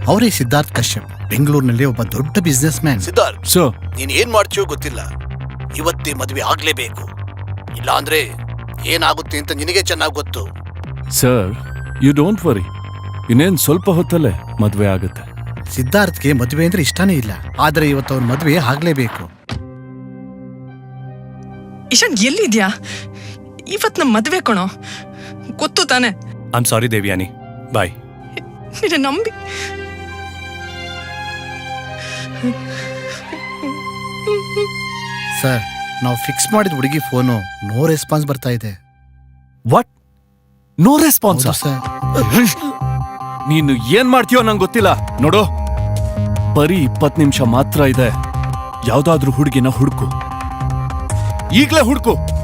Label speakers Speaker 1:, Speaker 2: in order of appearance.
Speaker 1: ಅವರೇ ಸಿದ್ಧಾರ್ಥ್ ಕಶ್ಯಪ್, ಬೆಂಗಳೂರಿನಲ್ಲಿ ಒಬ್ಬ ದೊಡ್ಡ ಬಿಸ್ನೆಸ್ ಮ್ಯಾನ್.
Speaker 2: ಸಿದ್ಧಾರ್ಥ್,
Speaker 3: ಸೊ
Speaker 2: ನೀನ್ ಏನ್ ಮಾಡ್ತೀಯೋ ಗೊತ್ತಿಲ್ಲ, ಇವತ್ತೇ ಮದುವೆ ಆಗ್ಲೇಬೇಕು. ಇಲ್ಲ ಅಂದ್ರೆ ಏನಾಗುತ್ತೆ ಅಂತ ನಿನಗೆ ಚೆನ್ನಾಗಿ ಗೊತ್ತು.
Speaker 3: ಸರ್, ಯು ಡೋಂಟ್ ವರಿ, ಇನ್ನೇನ್ ಸ್ವಲ್ಪ ಹೊತ್ತಲ್ಲೇ ಮದ್ವೆ ಆಗುತ್ತೆ.
Speaker 1: ಸಿದ್ಧಾರ್ಥ್ಗೆ ಮದುವೆ ಅಂದ್ರೆ ಇಷ್ಟನೇ ಇಲ್ಲ, ಆದ್ರೆ ಇವತ್ತು ಅವ್ರ ಮದುವೆ ಆಗ್ಲೇಬೇಕು.
Speaker 4: ಇಶಾನ್ ಎಲ್ಲಿದ್ಯಾ? ಇವತ್ ನಮ್ ಮದ್ವೆ ಕಣೋ, ಗೊತ್ತು ತಾನೆ.
Speaker 3: I am sorry Devyani, bye.
Speaker 4: ನಿನ್ನ ನಂಬಿ
Speaker 1: ಸರ್, ನಾವು ಫಿಕ್ಸ್ ಮಾಡಿದ ಹುಡುಗಿ ಫೋನು ನೋ ರೆಸ್ಪಾನ್ಸ್ ಬರ್ತಾ ಇದೆ.
Speaker 3: ವಾಟ್? No response?
Speaker 1: ಹೌದು ಸರ್.
Speaker 3: ನೀನು ಏನ್ ಮಾಡ್ತೀಯೋ ನಂಗೆ ಗೊತ್ತಿಲ್ಲ. ನೋಡು, ಬರೀ 20 ನಿಮಿಷ ಮಾತ್ರ ಇದೆ. ಯಾವ್ದಾದ್ರೂ ಹುಡುಗಿನ ಹುಡುಕು, ಈಗ್ಲೇ ಹುಡುಕು.